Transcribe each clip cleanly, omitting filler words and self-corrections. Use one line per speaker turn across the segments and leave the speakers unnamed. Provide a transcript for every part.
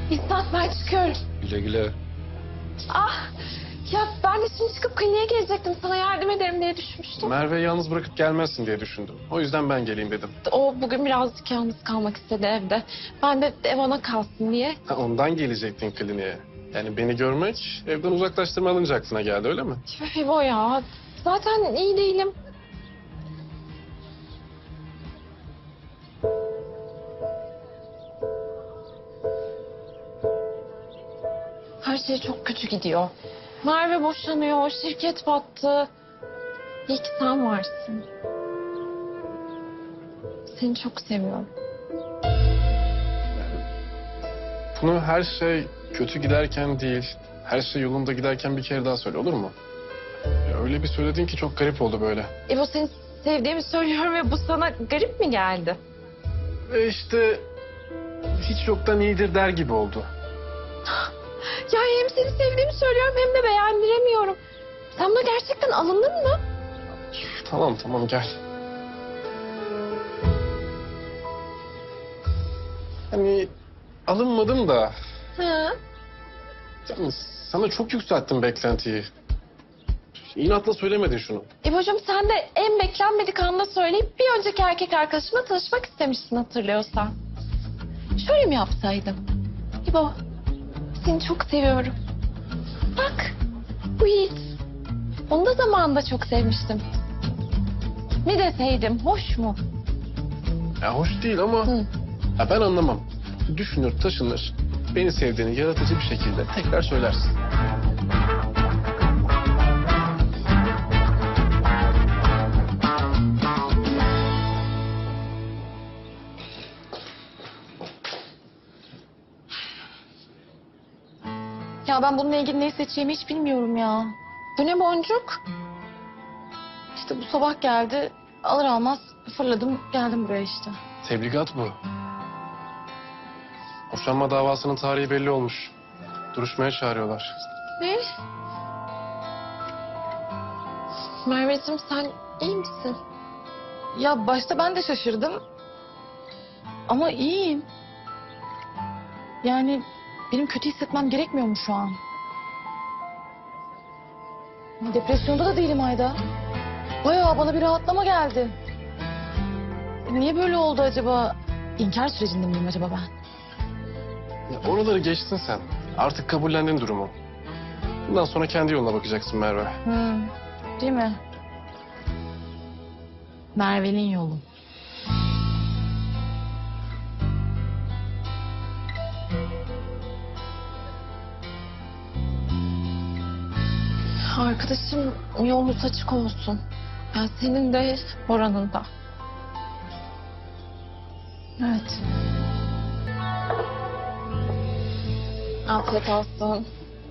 İstat ben çıkıyorum.
Güle güle.
Ah ya ben de şimdi çıkıp kliniğe gelecektim. Sana yardım ederim diye düşünmüştüm.
Merve'yi yalnız bırakıp gelmezsin diye düşündüm. O yüzden ben geleyim dedim.
O bugün birazcık yalnız kalmak istedi evde. Ben de ev ona kalsın diye.
Ha, ondan gelecektin kliniğe. Yani beni görmek evden uzaklaştırma alınca aklına geldi öyle mi?
Tüh İbo ya. Zaten iyi değilim. Her şey çok kötü gidiyor. Merve boşanıyor, şirket battı. İyi ki sen varsın. Seni çok seviyorum.
Bunu her şey kötü giderken değil, her şey yolunda giderken bir kere daha söyle olur mu? Ya öyle bir söyledin ki çok garip oldu böyle.
İbo seni sevdiğimi söylüyorum ve bu sana garip mi geldi?
Ve işte hiç yoktan iyidir der gibi oldu.
Ya hem seni sevdiğimi söylüyorum hem de beğendiremiyorum. Sen buna gerçekten alındın mı?
Tamam gel. Hani alınmadım da
Hı.
yani sana çok yükselttim beklentiyi. İnatla söylemedin şunu.
İbo'cum sen de en beklenmedik anda söyleyip bir önceki erkek arkadaşımla tanışmak istemişsin hatırlıyorsan. Şöyle mi yapsaydım? İbo, seni çok seviyorum. Bak, bu Yiğit. Onu da zamanında çok sevmiştim. Ne deseydim, hoş mu?
Ya hoş değil ama
Hı.
ya ben anlamam. Düşünür, taşınır. Beni sevdiğini yaratıcı bir şekilde tekrar söylersin.
Ya ben bununla ilgili ne seçeceğimi hiç bilmiyorum ya. Bu ne boncuk? İşte bu sabah geldi. Alır almaz fırladım geldim buraya işte.
Tebligat bu. Boşanma davasının tarihi belli olmuş. Duruşmaya çağırıyorlar.
Ne? Merveciğim sen iyi misin? Ya başta ben de şaşırdım. Ama iyiyim. Yani benim kötü hissetmem gerekmiyor mu şu an? Depresyonda da değilim Ayda. Bayağı bana bir rahatlama geldi. Niye böyle oldu acaba? İnkar sürecinde miyim acaba ben?
Ya oraları geçtin sen. Artık kabullendin durumu. Bundan sonra kendi yoluna bakacaksın Merve.
Değil mi? Merve'nin yolu. Arkadaşım yolunuz açık olsun. Yani senin de Bora'nın da. Evet. Afiyet olsun.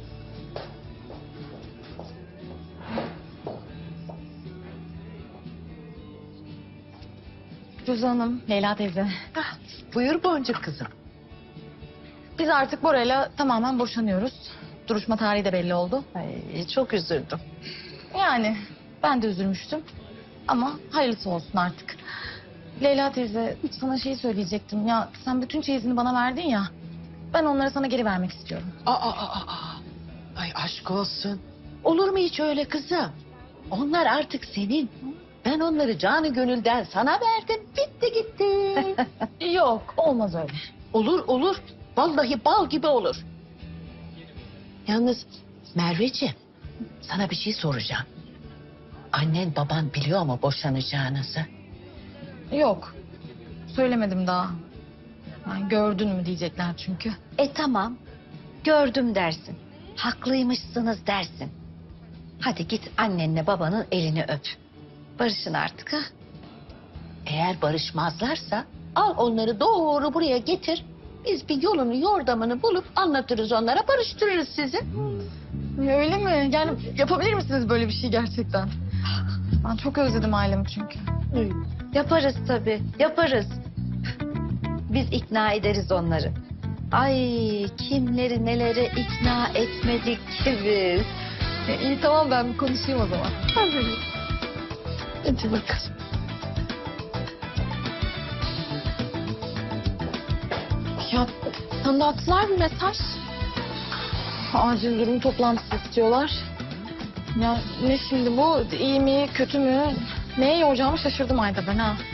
Füze Hanım, Leyla teyze.
Buyur Boncuk kızım.
Biz artık Bora'yla tamamen boşanıyoruz. Duruşma tarihi de belli oldu.
Ay, çok üzüldüm.
Yani ben de üzülmüştüm. Ama hayırlısı olsun artık. Leyla teyze sana şey söyleyecektim. Ya sen bütün çeyizini bana verdin ya. Ben onları sana geri vermek istiyorum.
Ay aşk olsun. Olur mu hiç öyle kızım? Onlar artık senin. Ben onları canı gönülden sana verdim. Bitti gitti.
Yok olmaz öyle.
Olur. Vallahi bal gibi olur. Yalnız Merveciğim, sana bir şey soracağım. Annen baban biliyor mu boşanacağınızı?
Yok. Söylemedim daha. Yani gördün mü diyecekler çünkü.
Tamam, gördüm dersin. Haklıymışsınız dersin. Hadi git annenle babanın elini öp. Barışın artık ha.
Eğer barışmazlarsa al onları doğru buraya getir. Biz bir yolunu yordamını bulup anlatırız onlara, barıştırırız sizi.
Öyle mi? Yani yapabilir misiniz böyle bir şey gerçekten? Ben çok özledim ailemi çünkü.
Yaparız tabii, yaparız. Biz ikna ederiz onları. Ay kimleri nelere ikna etmedik ki biz.
İyi tamam ben bir konuşayım o zaman. Hadi bakalım. Ya Sana da attılar bir mesaj. Acil durum toplantısı istiyorlar. Ya ne şimdi bu? İyi mi, kötü mü? Neye yoracağımı şaşırdım Ayda ben ha.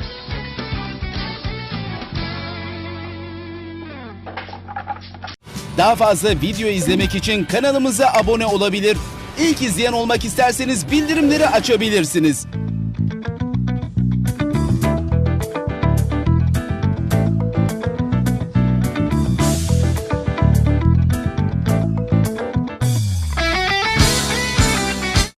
Daha fazla video izlemek için kanalımıza abone olabilir. İlk izleyen olmak isterseniz bildirimleri açabilirsiniz.